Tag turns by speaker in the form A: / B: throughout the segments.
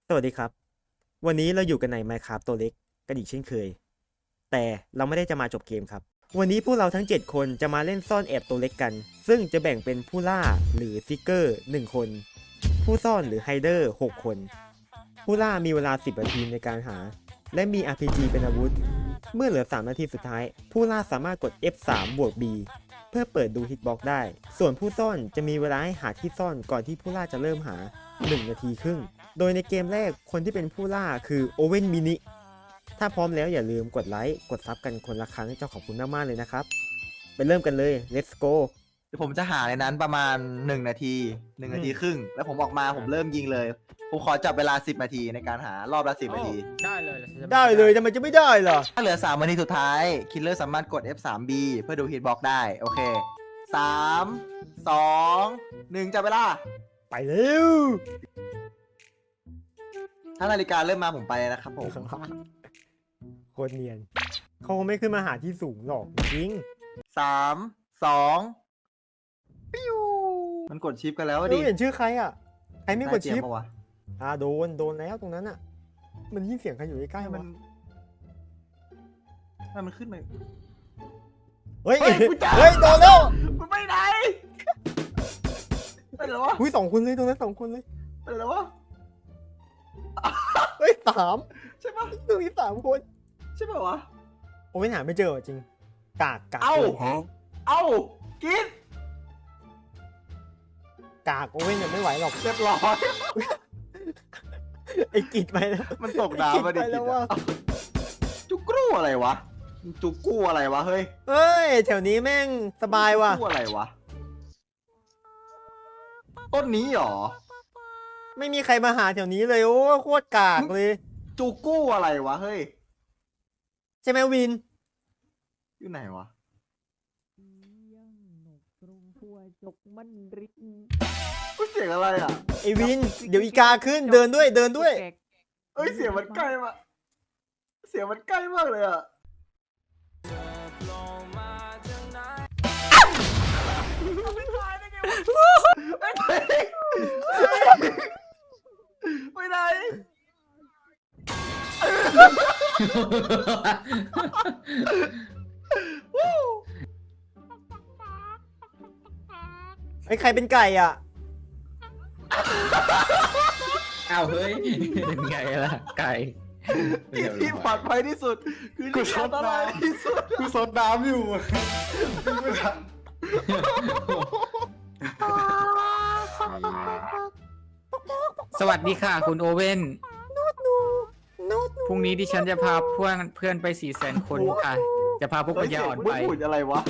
A: สวัสดีครับวันนี้เราอยู่กันใน Minecraft ตัวเล็กกันอีกเช่นเคยแต่เราไม่ได้จะมาจบเกมครับวันนี้พวกเราทั้ง7คนจะมาเล่นซ่อนแอบตัวเล็กกันซึ่งจะแบ่งเป็นผู้ล่าหรือซิกเกอร์1คนผู้ซ่อนหรือไฮเดอร์6คนผู้ล่ามีเวลา10นาทีในการหาและมี RPG เป็นอาวุธเมื่อเหลือ3นาทีสุดท้ายผู้ล่าสามารถกด F3 บวก B เพื่อเปิดดูฮิตบ็อกซ์ได้ส่วนผู้ซ่อนจะมีเวลาให้หาที่ซ่อนก่อนที่ผู้ล่าจะเริ่มหา1นาทีครึ่งโดยในเกมแรกคนที่เป็นผู้ล่าคือโอเว่นมินิถ้าพร้อมแล้วอย่าลืมกดไลค์กดซับกันคนละครั้งเจ้าขอบคุณมากๆเลยนะครับไปเริ่มกันเลย let's go
B: เดี๋ยวผมจะหาในนั้นประมาณ1นาที1นาทีครึ่งแล้วผมออกมาผมเริ่มยิงเลยผมขอจับเวลา10นาทีในการหารอบละ10นาที
C: ได้เลย
A: ได้เลยทำไมจะไม่ได้ล่ะ
B: ถ้าเหลือ3นาทีสุดท้ายคิลเลอร์สามารถกด F3B เพื่อดูฮิตบ็อกได้โอเค3 2 1จับเวลา
A: ไปเร็ว
B: ถ้านาฬิกาเริ่มมาผมไปแล้วนะครับผม
A: โคตรเนียนเขาคงไม่ขึ้นมาหาที่สูงหรอกจริง
B: 3 2ปิ้วมันกดชิปกันแล้วดิ
A: เห็นชื่อใครอ่ะใครไม่กดชิป
B: น่าเจียมปะวะ
A: โดนแล้วตรงนั้นอ่ะมันยิ่งเสียงใครอยู่ใกล้ๆ
B: มั
A: มัน
B: มันขึ้นมา
A: เฮ้ย
B: เฮ้ยกูจับ
A: เฮ้ยโดนแล้ว
B: มันไปไหนไปแล้ววะ
A: อุ้ย2คนเลยตรงนั้น2คนเลย
B: ไปแล้ววะ
A: เฮ้ย3
B: ใช่ปะ
A: ตรงนี้3คน
B: ใช่ปะวะ
A: โอ้ไม่หาไม่เจอจริงกาก
B: เอ้า
A: เลย
B: เอ้ากิน
A: กากโอ้ยเนี่ยไม่ไหวหรอก
B: เรียบร้อย
A: ไอ้กิดไปแล้ว
B: มันตกน้ำมาดิ
A: ไปแล้วว่า
B: จุกกู้อะไรวะจุกกู้อะไรวะเฮ้ย
A: เฮ้ยแถวนี้แม่งสบายว่ะ
B: จุกกู้อะไรวะต้นนี้หรอ
A: ไม่มีใครมาหาแถวนี้เลยโอ้โคตรกากเลย
B: จุกกู้อะไรวะเฮ้ย
A: ใช่ไหมวิน
B: อยู่ไหนวะกูเสียงอะไรอ่ะ
A: ไอ้วิน เดี๋ยวอีกาขึ้นเดินด้วย
B: เอ้ยเสียงมันใกล้มากเสียงมันใกล้มากเลยอ่ะไปไหน
A: ไอ้ใครเป็นไก่อ่ะ
C: อ้าวเฮ้ยเป็นไงล่ะไก่
B: ที่ปลอดภัยที่สุด คือที่อันตรายที่สุด
D: กูซดน้ำอยู่
C: สวัสดีค่ะคุณโอเว่นพรุ่งนี้ดิฉันจะพาเพื่อนไป400,000 คนค่ะ จะพาพวกปัญญาอ่อนไป
B: เฮ้ยเสียงบุญอะไรวะ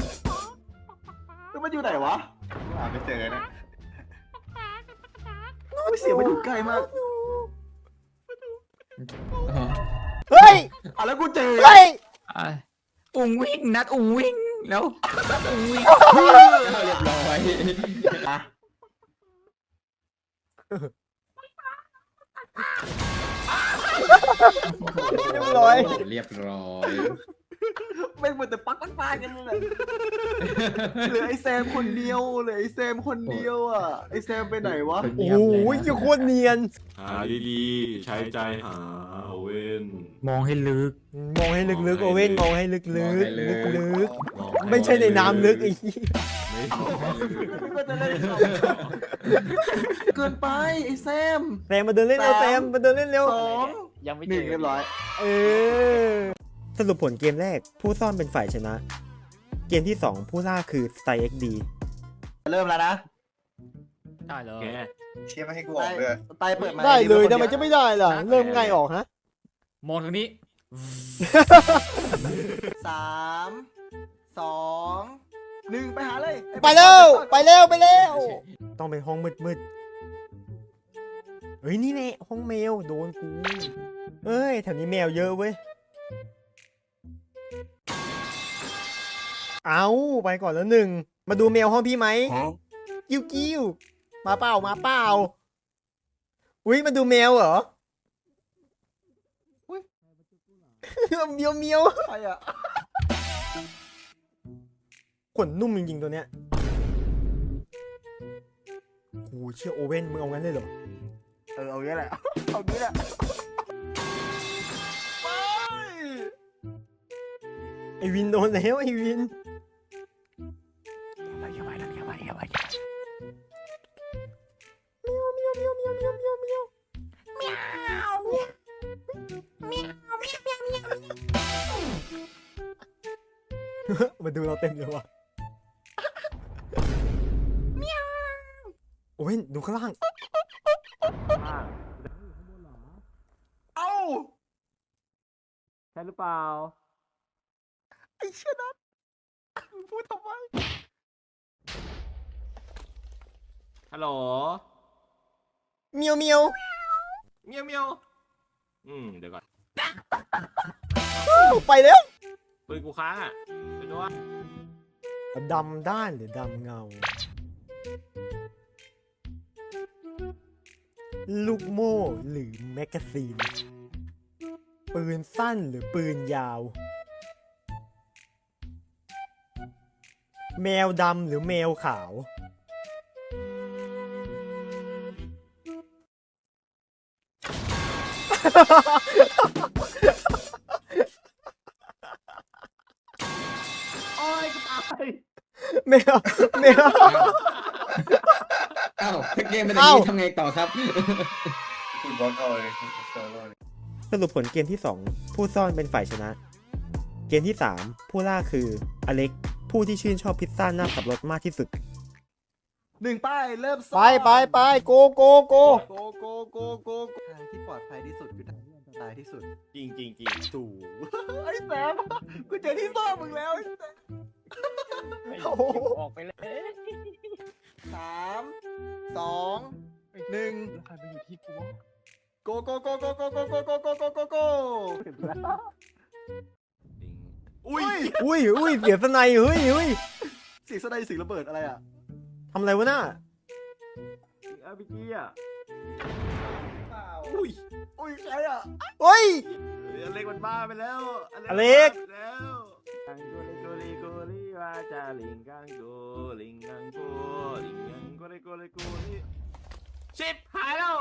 B: แล้วมันอยู่ไหนวะ
D: หาไม่เจอนะ
B: เฮ้ยเสียงมันอยู่ใกล้มาก
A: เฮ้ย
B: อ่ะแล้วกูเจอ
A: เฮ้ย
C: อ่ะอุ้งวิ่งนัดอุ้งวิ่งแล้วนัดอุ้งวิ่งเรียบร้อย
B: อ่ะ
A: เรียบร้อย
E: เรียบร้อย
B: ไม่เหมือนแต่ปักมันปากันเลยเหลือไอ้แซมคนเดียวเหลือไอ้แซมคนเดียวอ่ะไอ้แซมไปไหนวะ
A: โอ้โหโคตรเนียน
F: หาดีๆ ใช้ใจหาโอเว่น
C: มองให้ลึก
A: มองให้ลึกๆโอเว่นมองให้ลึกๆลึก
F: มอง
A: ๆไม่ใช่ในน้ำลึกไอ้ที่
F: ไม่มองให้ลึก
B: ก็จะเล่นเกินไปไอ้แซม
A: แซมมาเดินเล่นเร็วแซมมาเดินเล่นเร็ว
B: 2 1เรียบร้อย
A: เออสรุปผลเกมแรกผู้ซ่อนเป็นฝ่ายชนะ เกมที่ 2 ผู้ล่าคือ Style XD
B: เริ่มแล้วนะ
C: ได้เลย
F: แก
D: เชี่ยไม่ให้กูออกเลย
B: ไตเปิดมา
A: ได้เลยทำไมจะไม่ได้ล่ะ เริ่มง่ายออกฮะ
C: มองทางนี้
B: 3 2 1ไปหาเลย
A: ไปเร็วไปเร็วไปเร็วต้องเป็นห้องมืดๆเฮ้ยนี่แน่ห้องแมวโดนกูเอ้ยแถวนี้แมวเยอะเว้ยเอาไปก่อนแล้ว1มาดูแมวห้องพี่ไหมกิ้วมาเปล่าอุ้ยมาดูแมวเหรออุ้ยเมียว
B: ใครอ่ะ
A: ขนนุ่มจริงๆตัวเนี้ยโหเชื่อโอเว่นมึงเอางั้นเลยเหรอ
B: เอางี้แหละเอางี้แหละไป
A: ไอวินโดนแล้วไอวิน มาดูเราเต็มเลยว่ะโอ้ยดูข้างล่าง
B: เอ้า
A: ใช่หรือเปล่า
B: ไอ้เชี่ยนัทมึงพูดทำไม
F: ฮัลโหล
A: เมียวเมียว
F: เมียวเมียวเดี๋ยวก่อน
A: ไปแล้ว
F: ปืนกูค้างอ่ะไปดูว่า
A: ดำด้านหรือดำเงา ลูกโม่หรือแมกกาซีน ปืนสั้นหรือปืนยาว แมวดำหรือแมวขาว
B: โอ้ยกูตาย
A: แมวแมว
C: อ้าวถ้าเกมเป็นอย่างนี้ทำไงต่อครับ
D: คุณบอลเข้าเลยเซิร์ฟเวอร์
A: สรุปผลเกมที่ 2 ผู้ซ่อนเป็นฝ่ายชนะ เกมที่ 3 ผู้ล่าคืออเล็ก ผู้ที่ชื่นชอบพิซซ่าหน้าสับรสมากที่สุด
B: 1ป้ายเริ่มซ่อน
A: ไปโกโก
B: โกทางที่ปลอดภัยที่สุดคือทางที่อันตรายที่สุด
F: จริงจริง
B: ถูกไอ้แซมกูเจอที่ซ่อนมึงแล้วไอ้แซม
C: ออกไปเลย
B: 3 2 1
C: ใครไปอยู่ที่กูวะ
B: โกโก
F: อุ้ย
A: อุ้ยเสียสไนเฮ้ย
B: เสียงสไนเสียงระเบิดอะไรอ่ะ
A: ทำอะไรวะน่ะ
F: อาร์พีจีอ่ะอุ้ย
B: อุ้ยใครอ่ะ
A: เฮ้ย
F: อเล็กมันบ้าไปแล้ว
A: อเล็ก
F: บ้าไปแล้วกังโกลิโกลิวาจาลิงกังโกลิงกังโกลิงกังโกลิโกลิโกลิชิปหายแล้ว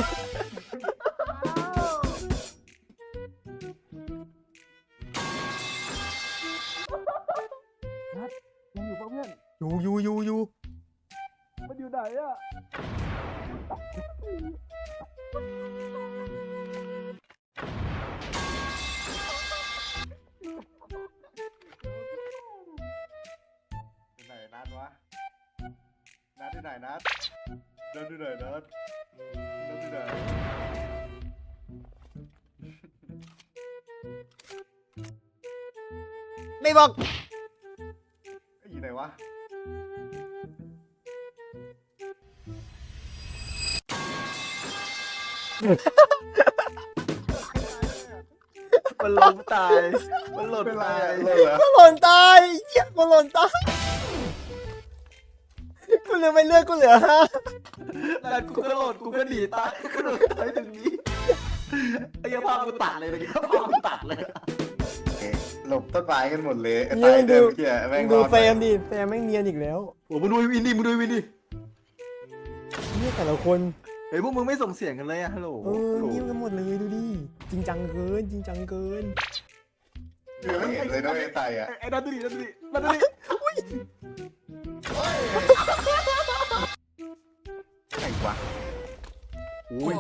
B: ยังอยู่ปะเพื่อน
A: อยู่
B: มันอยู่ไหนอ่ะ
D: ไหนนัดวะนัดที่ไหนนัดเดินที่ไหนนัดเดินที่ไหน
A: ไม่บอก
D: อยู่ไหนวะ
B: มันล้มตาย มันหล่น
D: เป็นไร
B: ตาย
D: อะเลยเหรอ
A: กูหล่นตายเหี้ยกูหล่นตายกูเหลือไม่เลือกกูเหลือฮะ
B: แล้วกูก็หล่นกูก็หนีตายกูหล่นตายถึงนี้ไอ้เหี้ยภาพกูตัดเลยเมื่อกี้ภาพกูตัดเลย
D: หลบต้นไม้กันหมดเลยไอ้ตายเดิมเกี้ยแม่ง
A: ดู
D: รอด
A: แซมดิแซมแม่งเนียนอีกแล้ว
B: โอ้มึงดูวินดิมึงดูวินดิ
A: เนี่ยแต่ละคน
B: เฮ้ยพวกมึงไม่ส่งเสียงกันเลยอะฮัลโหล
A: เงียบกันหมดเลยดูดิจริงจังเกิน
D: ไม่เห็นเลยนะไอ้ตายอ่ะ
B: ไอ้นั่นดูดินั่นดูดินั่นดูดิไอ้วะอุ้ย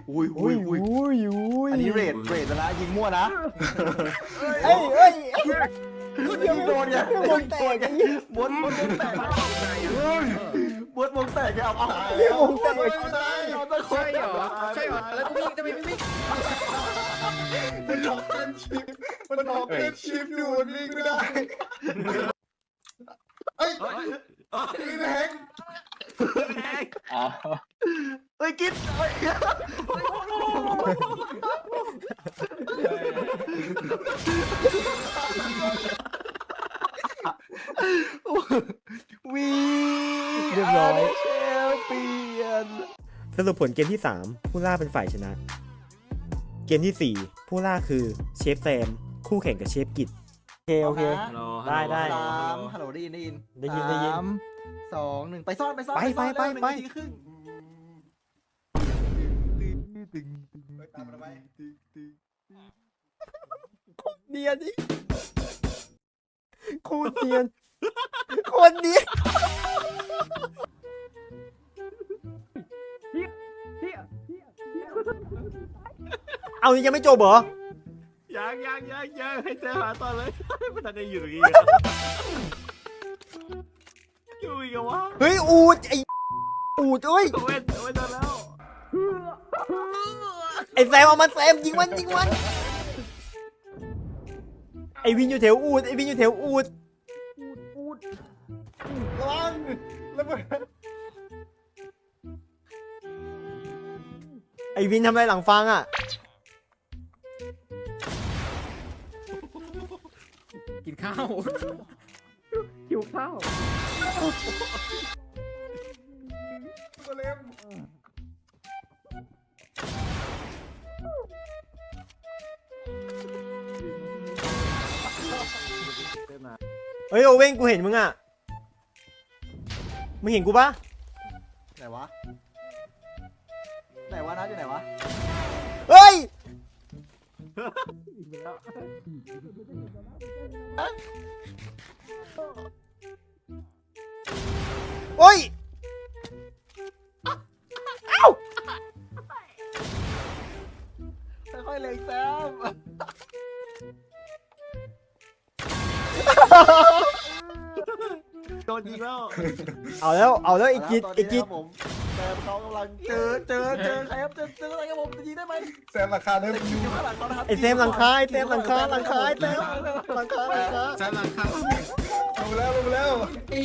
B: อันนี้เรทแล้วนะยิงมั่วนะ
A: เอ้ย
B: ยิงโดนไง
A: วงแตกไอ้เหี้ย
B: บดวงแตกบดวงแตกไงเอา
A: วงแตก
B: เอาตะโกน
C: ใช่เหรอแล้วกูวิ่งจะไปวิ่ง
D: มันออกเป็นชิปมันออกเป็นชิปอยู่มันวิ่งไม่ได้เอ้ย
F: เฮ้ย
D: พี่แบงค์
F: แดง
B: เฮ้ยกิ๊ดเฮ้ยวี
A: เรียบร้อย
B: แชมเปี้ยน
A: สรุปผลเกมที่ 3 ผู้ล่าเป็นฝ่ายชนะ เกมที่ 4 ผู้ล่าคือเชฟแซม คู่แข่งกับเชฟกิจโอเค
F: ฮัลโหล
A: ได้
B: สามฮัลโหลได้ยิน
A: ได้ยิน
B: สาม2 1ไปซ่อน
A: ไป
B: เร็ว
A: ไป
B: 1นาทีครึ่ง
D: ตามมาทำไม
A: เนียนดิโคตรเนียนโคตรเนียนเอานี่ยังไม่จบเหรอ
F: ยังให้เจอหาต่อเลยไม่ทันได้อยู่ตรงนี้อยู่อีกวะ
A: เฮ้ยอูดไออูดเอ้ย
F: โอเว่นโดนแล้ว
A: ไอแซมเอามันแซมยิงมันไอวินอยู่แถวอูด
D: ระวังระเบิด
A: ไอวินทำอะไรหลังฟังอ่ะ
C: กินข้าวหิวข้าว
D: ตัวเล็ม
A: เฮ้ยโอเว่นกูเห็นมึงอ่ะมึงเห็นกูปะ
B: ไหนวะนัดอยู่ไหนวะ
A: เฮ้ยโอ้ยเอ้า
B: ค่อยๆเล็งแซม
F: โดนยิงแล้ว
A: เอาแล้วไอ้กิด
B: ตอน
A: ไอ้
B: นี้
A: กิด
B: นะครับผมแซมเขากำลังเจอใครครับเจออะไรครับผมจะยิงได้ไหม
D: แซมราคาเริ่ม
B: แต่ยิ
D: ยู
B: งอยู่ข้างหลังเขานะครับ
A: ไอ้เซมหลังคาไอ้เซมหลังคาไอ้เซมหลังคา
C: ใช้หลังข้าว
D: ลงแล้ว
C: อี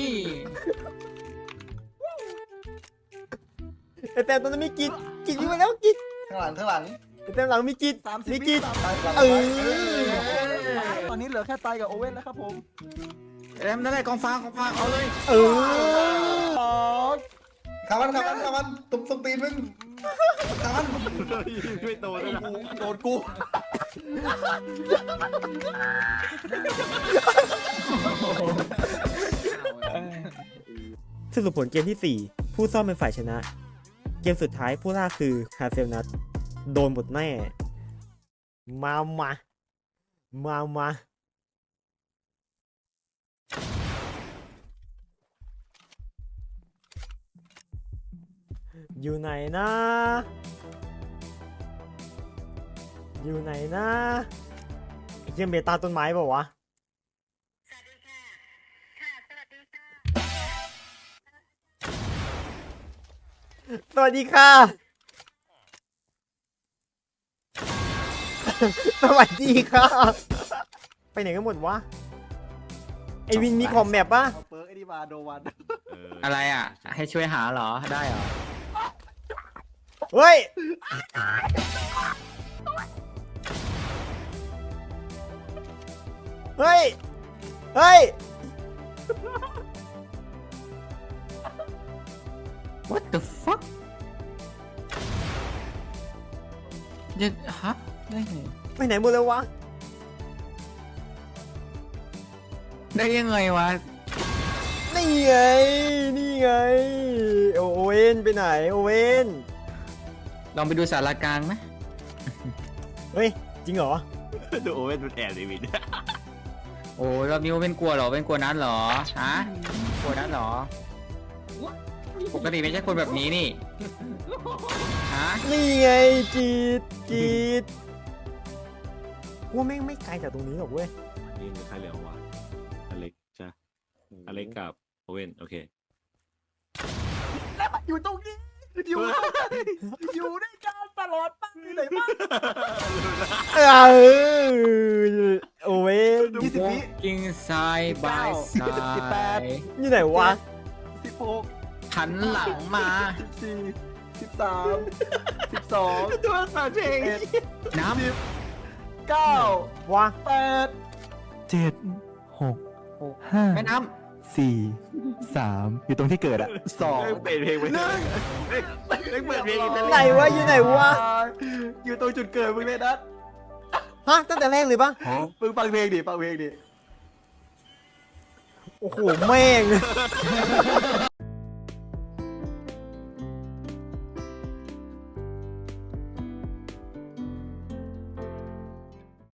A: ไอ้เซมตอนนั้นมีกิดยิงไปแล้วกิด
D: ข้างหลัง
A: ไอ้เซมหลังมีกิด
B: 30
A: มีกิด
B: วิ
A: เออ
B: ตอนนี้เหลือแค่ไตกับโอเว่นแล้วครับผม
C: แรมนั่นแหละกองฟางเอาเลย
A: เออ
D: ขามันตุ้มตีนมึงขามัน
F: ไม่โตเลยนะ
B: โดนกู
A: สรุปผลเกมที่ 4 ผู้ซ่อมเป็นฝ่ายชนะ เกมสุดท้ายผู้ล่าคือคาเซลนัทโดนหมดแน่ มาอยู่ไหนนะไอ้เกมเบต้าต้นไม้เปล่าวะ สวัสดีค่ะ สวัสดีค่ะ ไปไหนกันหมดวะ ไอวินมีคอมแมปปะ
B: เอาเปิร์กไอ้นี่มาโดวัน
C: อะไรอ่ะ ให้ช่วยหาเหรอได้เหรอ
A: เฮ้ย เฮ้ย
C: What the fuck จะฮะได้ไง
A: ไปไหนหมดแล้ววะ
C: ได้ยังไงวะ
A: นี่ไง โอเว่นไปไหน โอเว่น
C: ลองไปดูสารกลางไหม
A: เฮ้ย จริงเหรอ
F: ดูโอเว่นมันแอบเดวิด
C: โอ้ยรอบนี้เป็นกลัวเหรอเป็นกลัวนัดเหรอฮะกลัวนัดเหรอปกติไม่ใช่คนแบบนี้นี่ฮะ
A: นี่ไงจีดว่าแม่งไม่ไกลจากตรงนี้หรอกเว้ย
F: นี่มันใครเหลืองวะอเล็กใช่อเล็กกับโอเว่นโอเค
B: อยู่ตรงนี้อยู่ด้วยกันตลอดตั้งอยู่ไหนบ้าง
A: โอเว่น
B: 20 วิ
C: กิ้งซ้ายบายซ้า
B: 18
C: ย
A: อยู่ไหนวะ
B: 16
C: หันหลังมา
B: 14 13 12
F: ตัวสาเพลง
C: น้
B: 9
A: วะ
B: 8 7 6
C: ำแม่น้
B: 5 4 3 อยู่ตรงที่เกิดอะ2
F: เปิดเพลงไปเปิดเพลงอิตาลี
A: ไหนวะ อยู่ไหนวะ
B: อยู่ตรงจุดเกิดมึงเลยนัด
A: ฮะ ตั้งแต่แรกเลยปะ
B: มึงฟังเพลงดิ
A: โอ้โห แม่ง